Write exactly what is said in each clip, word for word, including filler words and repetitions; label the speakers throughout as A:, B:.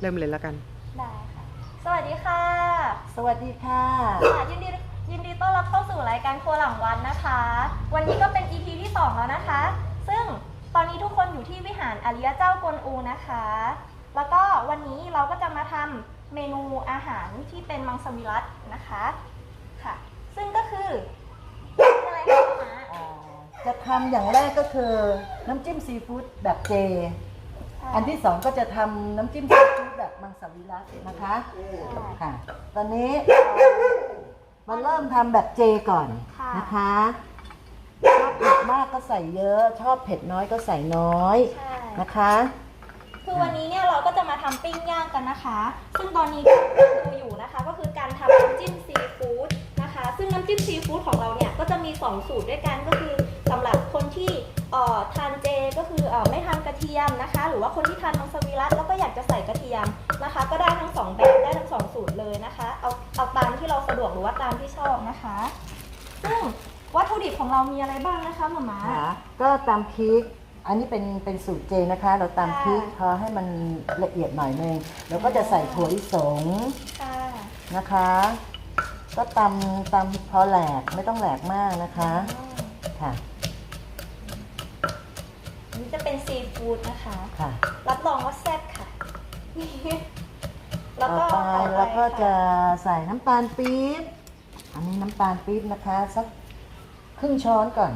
A: เริ่มเลยแล้วกัน
B: ได้ค่ะสวัสดีค่ะ
C: สวัสดีค่ะ
B: ค่ะยินดียินดีต้อนรับเข้าสู่รายการครัวหลังวันนะคะ วันนี้ก็เป็น อี พี ที่สองแล้วนะคะ ซึ่งตอนนี้ทุกคนอยู่ที่วิหารอริยเจ้ากวนอูนะคะ แล้วก็วันนี้เราก็จะมาทำเมนูอาหารที่เป็นมังสวิรัตินะคะค่ะซึ่งก็คืออะไรคะม้า
C: จะทำอย่างแรกก็คือน้ำจิ้มซีฟู้ดแบบเจอันที่สองก็จะทำน้ำจิ้มซีฟู้ดแบบมังสวิรัตินะคะค่ะตอนนี้มาเริ่มทำแบบเจก่อนนะคะชอบเผ็ดมากก็ใส่เยอะชอบเผ็ดน้อยก็ใส่น้อยนะคะ
B: คือวันนี้เนี่ยเราก็จะมาทำปิ้งย่างกันนะคะซึ่งตอนนี้ที่ดูอยู่นะคะก็คือการทำน้ำจิ้มซีฟู้ดนะคะซึ่งน้ำจิ้มซีฟู้ดของเราเนี่ยก็จะมีสองสูตรด้วยกันก็คือสำหรับคนที่เอ่อทานเจก็คือเอ่อไม่ทานกระเทียมนะคะหรือว่าคนที่ทานมังสวิรัติแล้วก็อยากจะใส่กระเทียมนะคะก็ได้ทั้งสองแบบได้ทั้งสองสูตรเลยนะคะเอาเอาตามที่เราสะดวกหรือว่าตามที่ชอบนะคะซึ่งวัตถุดิบของเรามีอะไรบ้างนะคะหม่าม้า
C: ก็ตำพริกอันนี้เป็นเป็นสูตรเจนะคะเราตำพริกพอให้มันละเอียดหน่อยนึงแล้วก็จะใส่ถั่วลิสงนะคะก็ตำตำพอแหลกไม่ต้องแหลกมากนะคะค่ะ
B: นี่จะเป็นซีฟู้ดนะคะ
C: ค่ะ
B: รับรองว่าแซ่บค่ะ
C: แล้วก็แล้วก็จะใส่น้ำตาลปี๊บอันนี้น้ำตาลปี๊บนะคะสักครึ่งช้อนก่อน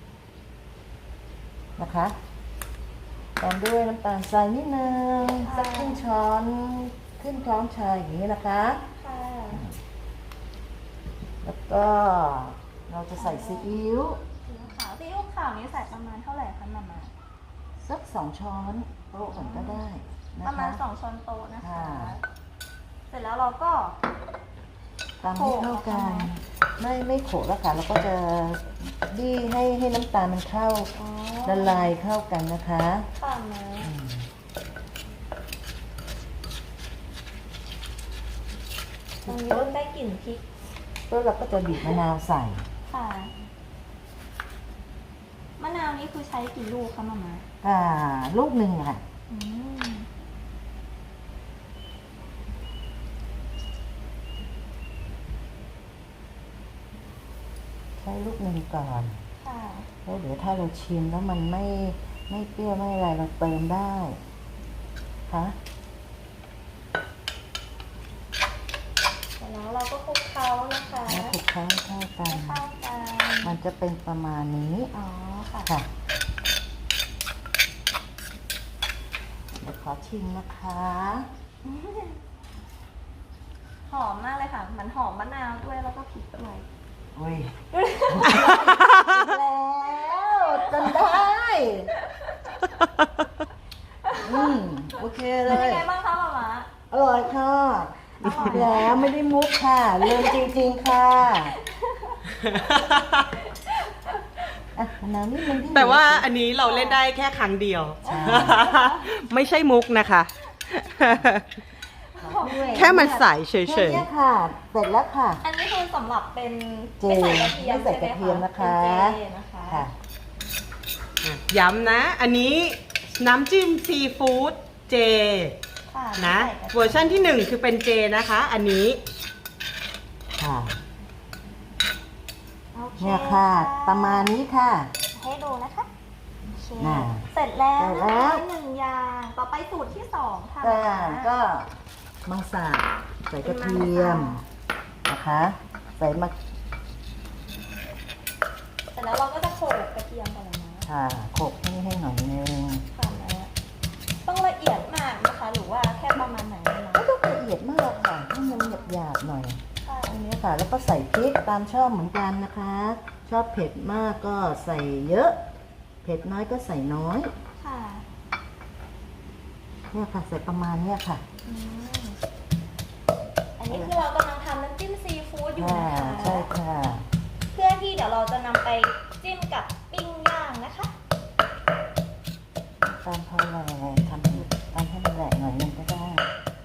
C: นะคะตามด้วยน้ำตาลทรายนิดนึงสักครึ่งช้อนครึ่งช้อนชาอย่างนี้นะคะแล้วก็เราจะใส่ซีอิ๊ว
B: ซีอิ๊วขาวซีอิ๊วขาวนี้ใส่ประมาณเท่าไหร่คะมาม่า
C: สักสองช้อนโต๊ะก่อนก็ได้นะคะ
B: ประมาณสองช้อนโต๊ะนะคะเสร็จแล้วเราก็
C: ตามให้เข้ากันไม่ไม่โขกแล้วค่ะเราก็จะบี้ให้ให้น้ำตาลมันเข้าละลายเข้ากันนะคะ
B: ค่ะนะตรงนี้เริ่มได้กลิ่นพริก
C: แล้วเราก็จะบีบมะนาวใส่
B: ค่ะมะนาวนี้คือใช้กี่ลูกคะมาม่า
C: อ่าลูกหนึ่งค่ะใช้ลูกหนึ่งก่อนแล้วเดี๋ยวถ้าเราชิมแล้วมันไม่ไม่เปรี้ยวไม่อะไรเราเติมได้ค่ะ
B: แล้วเราก็คลุกเคล้านะคะ
C: คลุกเคล้าเข้ากัน
B: เข้ากัน
C: มันจะเป็นประมาณนี้
B: อ๋อค่ะ
C: ค่ะเดี๋ยวขอชิมนะคะ
B: หอมมากเลยค่ะมันหอมมะนาวด้วยแล้วก็พริกด้วย
C: อุ้ยแล้วจนได้อืมโอเคเลย
B: เป็นยังไงบ้างคะมาม่า
C: อร่อยค่ะแล้วไม่ได้มุกค่ะเริ่มจริงๆค่ะอ่ะน้ำนิดนึง
A: แต่ว่าอันนี้เราเล่นได้แค่ครั้งเดียวไม่ใช่มุกนะคะแค่มันใส่เฉยๆ
C: แค่นี้ค่ะเสร็จแล้วค่ะ
B: อันนี้คือสำหรับเป็น
C: ไม่ใส่กระเทียมไม่ใส่กระเทียมนะคะ
B: ค่ะ
A: ย้ำนะอันนี้น้ำจิ้มซีฟู้ดเจนะเวอร์ชันที่หนึ่งคือเป็นเจนะคะอันนี้
C: ค่ะเนี่ยค่ะประมาณนี้ค่ะ
B: ให้ดูนะคะเสร็จแล้วนะคะหนึ่งอย่างต่อไปสูตรที่สองค่ะ
C: ก็มังสาใส่กระเทียมนะคะใส่มะ
B: เสร็จแล้วเราก็จะโขลกกระเทียมกันเลยนะ
C: ค่ะโขลกให้ให้หน่อยนึง
B: ค่ะแล้วต้องละเอียดมากนะคะหรือว่าแค่ประมาณไหนนะ
C: ไม่ต้องละเอียดมากค่ะให้มันหยาบๆหน่อยอันนี้ค่ะแล้วก็ใส่พริกตามชอบเหมือนกันนะคะชอบเผ็ดมากก็ใส่เยอะเผ็ดน้อยก็ใส่น้อย
B: ค่ะ
C: เนี่ยค่ะใส่ประมาณเนี้ยค่ะ
B: อันนี้คือเรากำลังทำน้ำจิ้มซีฟู้ดอยู่นะคะ
C: ใช่ค่ะ
B: เพื่อที่เดี๋ยวเราจะนำไปจิ้มกับปิ้งย่างนะคะ
C: ตามพอแหลกทำทำให้มันแหลกหน่อยนึงก็ได้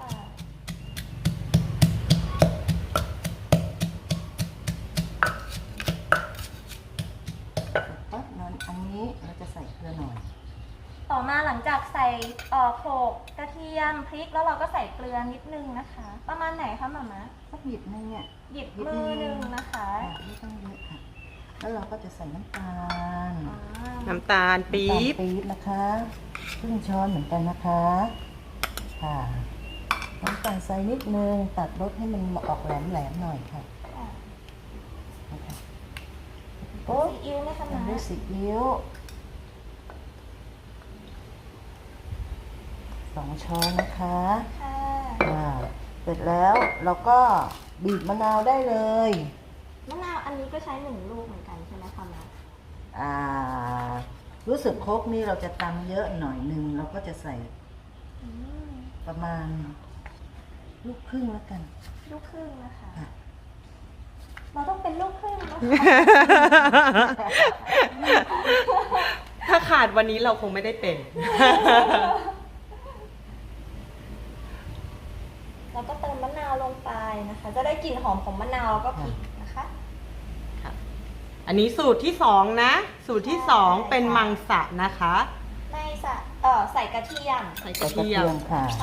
C: ปั๊บนั้นอันนี้เราจะใส่เกลือหน่อย
B: ต่อมาหลังจากใส่เอ่อโขลกกระเทียมำพริกแล้วเราก็ใส่เกลือนิดนึงนะคะ ประมาณไหนคะหม่าม้า
C: สักหยิบนึงเนี่ย
B: หยิบมือหนึ่งนะคะ
C: ค่ะไม่ต้องเยอะค่ะ แล้วเราก็จะใส่น้ำตาล
B: อ่า
A: น้ำตาลปี๊บ
C: น้ำตาลปี๊บนะคะครึ่งช้อนเหมือนกันนะคะ ค่ะน้ำตาลใส่นิดนึงตัดรสให้มันออกแหลมๆหน่อยค่ะ
B: ค่ะ
C: นะคะ
B: โอ้ซีอิ๊วไหมคะห
C: ตาม
B: ม่า
C: ด้วยซีอิ๊วสองช้อนนะคะ
B: ค่ะ
C: อ่าเสร็จแล้วเราก็บีบมะนาวได้เลย
B: มะนาวอันนี้ก็ใช้หนึ่งลูกเหมือนกันใช่ไหมคะหม่า
C: อ่ารู้สึกครกนี่เราจะตำเยอะหน่อยหนึ่งเราก็จะใส่
B: อืม
C: ประมาณลูกครึ่งแล้วกัน
B: ลูกครึ่งนะคะ
C: ค่ะ
B: เราต้องเป็นลูกครึ่งนะคะ
A: ถ้าขาดวันนี้เราคงไม่ได้เป็น
B: แล้วก็เติมมะนาวลงไปนะคะ จะได้กลิ่นหอมของมะนาวแล้วก็พริกนะคะ
A: อันนี้สูตรที่สองนะ สูตรที่สองเป็นมังสะนะคะ
B: ในใส่เอ่อใส่กระเทียม
A: ใส่ก
C: ใส่
A: ระ
C: กระ
A: เที
C: เที
A: ย
C: ย
A: ม
C: มค่ะ
B: นะคะ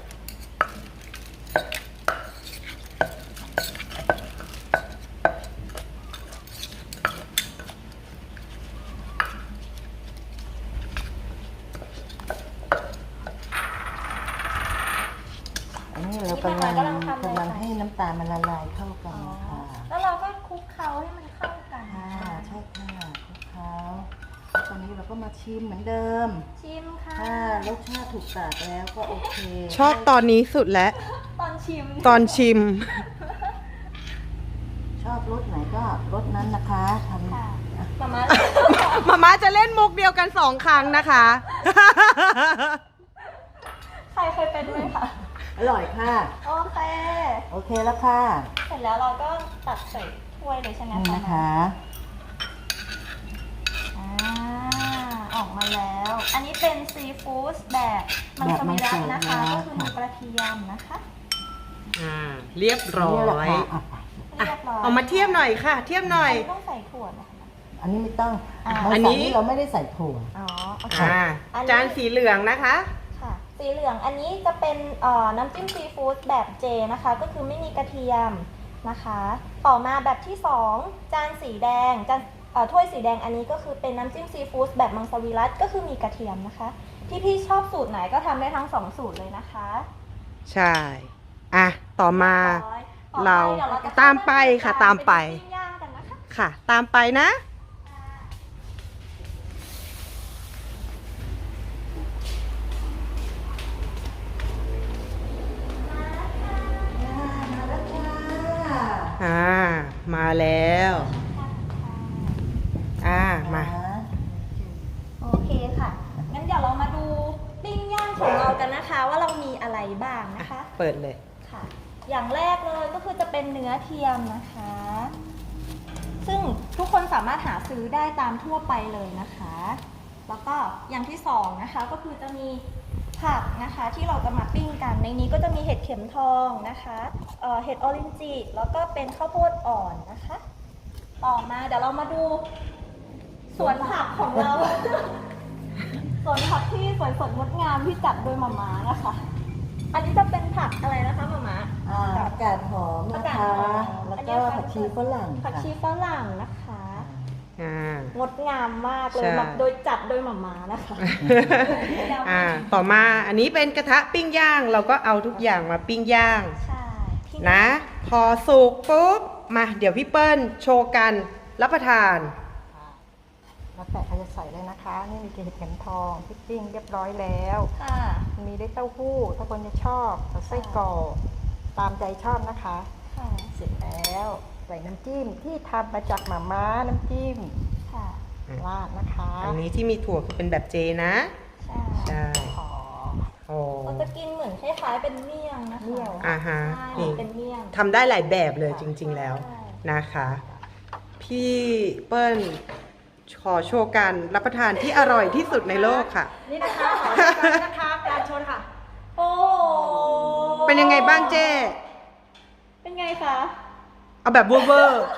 C: อันนี้เรากำลังกำลังให้น้ำตาลมันละลายเข้ากัน
B: อ๋อ
C: นะคะ
B: แล้วเราก็คลุกเคล้าให้มันเข้ากัน
C: ค่ะ
B: ค่ะ
C: ใช่ค่ะคลุกเคล้าแล้วตอนนี้เราก็มาชิมเหมือนเดิม
B: ชิมค่ะ
C: ถ้ารสชาติถูกปากแล้วก็โอเค
A: ชอบตอนนี้สุดแล้ว
B: ตอนชิม
A: ตอนชิม
C: ชอบรสไหนก็รสนั้นนะคะทำ
B: ค่ะ
C: อ่ะ
B: มาม่า
A: มาม่าจะเล่นมุกเดียวกันสองครั้งนะคะ
B: ใครเคยเป็นไหมคะ
C: อร่อยค่ะ
B: โอเค
C: โอเคแล้วค่ะ
B: เสร็จแล้วเราก็ตักใส่ถ้วยเลยใช่ไหม
C: นี่
B: คะ
C: นะคะ
B: อ่าออกมาแล้ว อันนี้เป็นซีฟู้ดแบบมังสวิรัตินะคะ ก็คือมีกระเทียมนะคะ
A: อ่า เรียบร้อ
C: นี่แหละ
A: ย
C: ค่ะอ่ะ
A: อ่ะ
B: เรียบร้อย
A: เอามาเทียบหน่อยค่ะ เทียบหน่อย
B: อันนี้ต้องใส่ถั่วนะคะ
C: อันนี้ไม่ต้อง
B: อ่า
C: มัง
A: อัน
C: ส
A: นี้
C: วิรัติเราไม่ได้ใส่ถั่ว
B: อ๋อโอเค
A: อ่า
B: อันนี้
A: จานสีเหลืองนะคะ
B: ค่ะ สีเหลืองอันนี้จะเป็นเอ่อน้ำจิ้มซีฟู้ดแบบเจนะคะ ก็คือไม่มีกระเทียมนะคะ ต่อมาแบบที่สองจานสีแดงจานเอ่อถ้วยสีแดงอันนี้ก็คือเป็นน้ำจิ้มซีฟู้ดแบบมังสวิรัติก็คือมีกระเทียมนะคะ ที่พี่ชอบสูตรไหนก็ทำได้ทั้งสองสูตรเลยนะคะ
A: ใช่ อ่ะ ต่อมา
B: ร้อยต่อไป
A: เรา
B: ดี๋ยวจะ
A: ตามไปค่ะตามไป
B: เป็นปิ้งย่างกันนะคะ
A: ค่ะ ตามไปนะ
C: มาแล้วค่ะ
A: อ่า มาแล้ว อ่า มา
B: โอเคค่ะ งั้นเดี๋ยวเรามาดูปิ้งย่างของเรากันนะคะ ว่าเรามีอะไรบ้างนะคะ
A: เปิดเลย
B: ค่ะ อย่างแรกเลยก็คือจะเป็นเนื้อเทียมนะคะ ซึ่งทุกคนสามารถหาซื้อได้ตามทั่วไปเลยนะคะ แล้วก็อย่างที่สองนะคะก็คือจะมีผักนะคะที่เราจะมาปิ้งกัน ในนี้ก็จะมีเห็ดเข็มทองนะคะเอ่อเห็ดออรินจิแล้วก็เป็นข้าวโพดอ่อนนะคะ ต่อมาเดี๋ยวเรามาดูสวนผักของเรา สวนผักที่สวยสดงดงามที่จัดโดยหม่าม้านะคะ อันนี้จะเป็นผักอะไรนะคะหม่าม้า
C: อ่าผักกาดหอมนะคะ แล้วก็ผักชีฝรั่ง
B: ผัก
C: ค่ะ
B: ชีฝรั่งนะคะ
A: อ่า
B: งดงามมากเลย
A: ใช่
B: แบบโดยจัดโดยหม่าม้านะคะ
A: อ่า ต่อมา อันนี้เป็นกระทะปิ้งย่าง เราก็เอาทุกอย่างมาปิ้งย่าง
B: ใช่ที่
A: นะ พอสุกปุ๊บ มา เดี๋ยวพี่เปิ้ลโชว์กันรับประทาน
D: แล้วแต่เขาจะใส่เลยนะคะ นี่มีเห็ดเข็มทองพริกปิ้งเรียบร้อยแล้ว
B: ค่ะ
D: มีได้เต้าหู้ถ้าคนจะชอบเอาไส้กรอกตามใจชอบนะคะ
B: ค่ะ
D: เสร็จแล้วใส่น้ำจิ้มที่ทำมาจากหม่าม้าน้ำจิ้ม
B: ค่ะ
D: ราดนะคะ
A: อันนี้ที่มีถั่วคือเป็นแบบเจนะ
B: ใช่
A: ใช่
D: ขอ
A: โอ้
B: เราจะกินเหมือนคล้ายๆเป็นเมี่ยงนะคะ
D: เมี่ยง
A: อ่าฮะ
B: ใช่
A: นี่
B: เป็นเมี่ยง
A: ทำได้หลายแบบเลยจริง ๆ แล้ว
B: ใช่
A: นะคะ พี่เปิ้ลขอโชว์การรับประทานที่อร่อยที่สุดในโลกค่ะ
D: นี่นะคะขอการนะคะการชนค่ะ
B: โอ้โห
A: เป็นยังไงบ้างเจ้
B: เป็นไงคะ
A: เอาแบบเวอร์เวอร์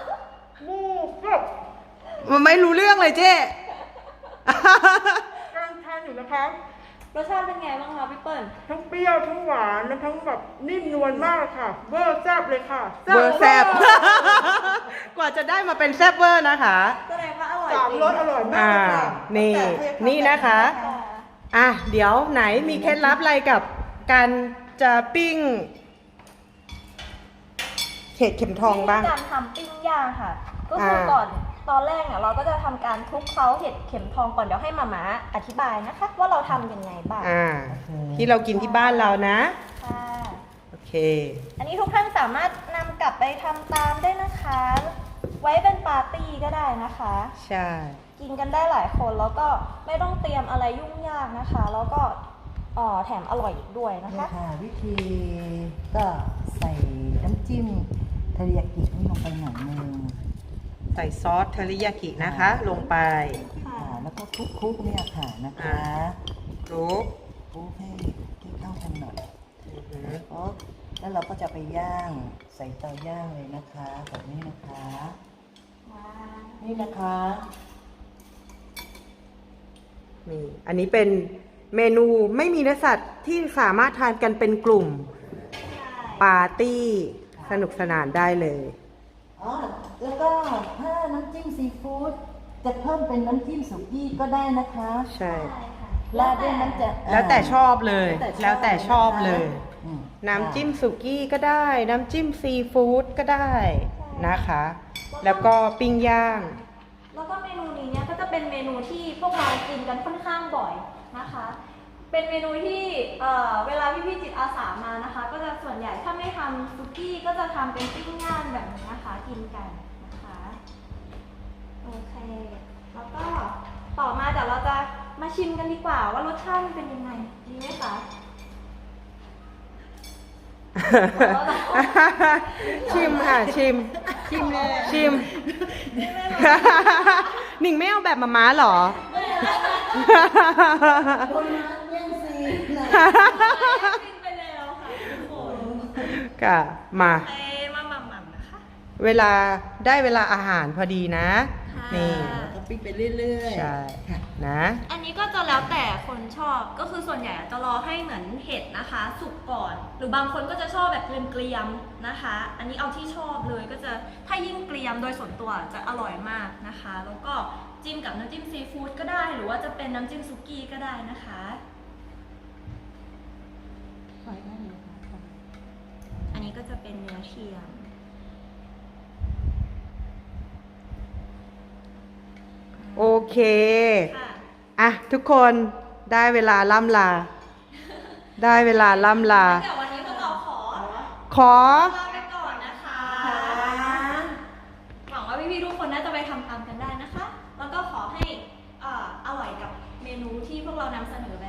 A: มันไม่รู้เรื่องเลยเจ้
D: กำลังทานอยู่นะคะ
A: อ
B: รสชาติเป็นไงบ้างคะพี่เปิ้ล
E: ทั้งเปรี้ยวทั้งหวานและทั้งแบบนิ่มนวลมากค่ะเบอร์แซ่บเลยค่ะ
A: เวอร์แซบ กว่าจะได้มาเป็นแซบเวอร์นะคะ
B: แสดงว่าอร่อย
E: สาม
B: จริง
E: รสอร่อยมาก
A: อ่า
E: เลยค่ะ
A: นี่ นี่นะคะ
B: ค่ะ
A: อ่ะ เดี๋ยวไหนมีเคล็ดลับอะไรกับการจะปิ้งเห็ดเข็มทองบ้าง
B: วิธีการทำปิ้งย่างค่ะ ก็คืออา ก่อนตอนแรกเนี่ยเราก็จะทำการคลุกเคล้าเห็ดเข็มทองก่อนเดี๋ยวให้มาม่าอธิบายนะคะ ว่าเราทำยังไงบ้าง
A: อ่า ที่เรากินที่บ้านเรานะ
B: ค่ะ
A: โอเค
B: อันนี้ทุกท่านสามารถนำกลับไปทำตามได้นะคะ ไว้เป็นปาร์ตี้ก็ได้นะคะ
A: ใช่
B: กินกันได้หลายคนแล้วก็ไม่ต้องเตรียมอะไรยุ่งยากนะคะ แล้วก็อ๋อแถมอร่อยอีกด้วยนะ
C: นี่
B: คะ
C: ค่ะวิธีก็ใส่น้ำจิ้มเทริยากินี่ลงไปหน่อยนึง
A: ใส่ซอสเทริยากินะคะ ลงไป
C: ค่ะแล้วก็คลุกๆเนี่ยค่ะนะคะ
A: คลุก
C: คลุกให้ให้เข้ากันหน่อย
A: อือหือ
C: แล้วก็แล้วเราก็จะไปย่างใส่เตาย่างเลยนะคะแบบนี้นะคะ นี่นะคะ
A: นี่อันนี้เป็นเมนูไม่มีเนื้อสัตว์ที่สามารถทานกันเป็นกลุ่มปาร์ตี้สนุกสนานได้เลย
C: อ๋อแล้วก็ถ้าน้ำจิ้มซีฟู้ดจะเพิ่มเป็นน้ำจิ้มสุกี้ก็ได้นะคะ
A: ใช่
C: ราดด้วยน้ำจะ
A: แล้วแต่ชอบเลย แล้วแต่ชอบเลย
C: อืม
A: น้ำจิ้มสุกี้ก็ได้ น้ำจิ้มซีฟู้ดก็ได้นะคะ แล้วก็ปิ้งย่าง
B: แล้วก็เมนูนี้เนี่ยก็จะเป็นเมนูที่พวกเรากินกันค่อนข้างบ่อยนะคะ เป็นเมนูที่เอ่อเวลาพี่ๆจิตอาสามานะคะ ก็จะส่วนใหญ่ถ้าไม่ทำซุกี้ก็จะทำเป็นปิ้งย่างแบบนี้นะคะ กินกันนะคะโอเค แล้วก็ต่อมาเดี๋ยวเราจะมาชิมกันดีกว่าว่ารสชาติมันเป็นยังไงดีไหมคะ
A: ชิมค่ะ ชิม ชิมชิม หนิงไม่เอาแบบมาม้าเหรอ
C: คนมาเลี้ยงซีนะ
B: กินไปแล้วค่ะทุกคน
A: ก็มา
B: เอ้มาหม่ำๆนะคะ
A: เวลาได้เวลาอาหารพอดีนะ
B: ค่ะ
A: นี่
C: ก็ปิ้งไปเรื่อยๆ
A: ใช่ นะ
B: อันนี้ก็จะแล้วแต่คนชอบก็คือส่วนใหญ่จะรอให้เหมือนเห็ดนะคะ สุกก่อน หรือบางคนก็จะชอบแบบเกรียมๆนะคะ อันนี้เอาที่ชอบเลยก็จะถ้ายิ่งเกรียมโดยส่วนตัวจะอร่อยมากนะคะ แล้วก็จิ้มกับน้ำจิ้มซีฟู้ดก็ได้ หรือว่าจะเป็นน้ำจิ้มซุกี้ก็ได้นะคะ อันนี้ก็จะเป็นเนื้อเทียม
A: โอเค
B: ค่ะ
A: อ่ะ ทุกคนได้เวลาล่ำลา ได้เวลาล่ำลา
B: เดี๋ยววันนี้พวกเราขอ
A: ขอ
B: ลาไปก่อนนะคะ หวังว่าพี่ๆทุกคนน่าจะไปทำตามกันได้นะคะ แล้วก็ขอให้เอ่ออร่อยกับเมนูที่พวกเรานำเสนอ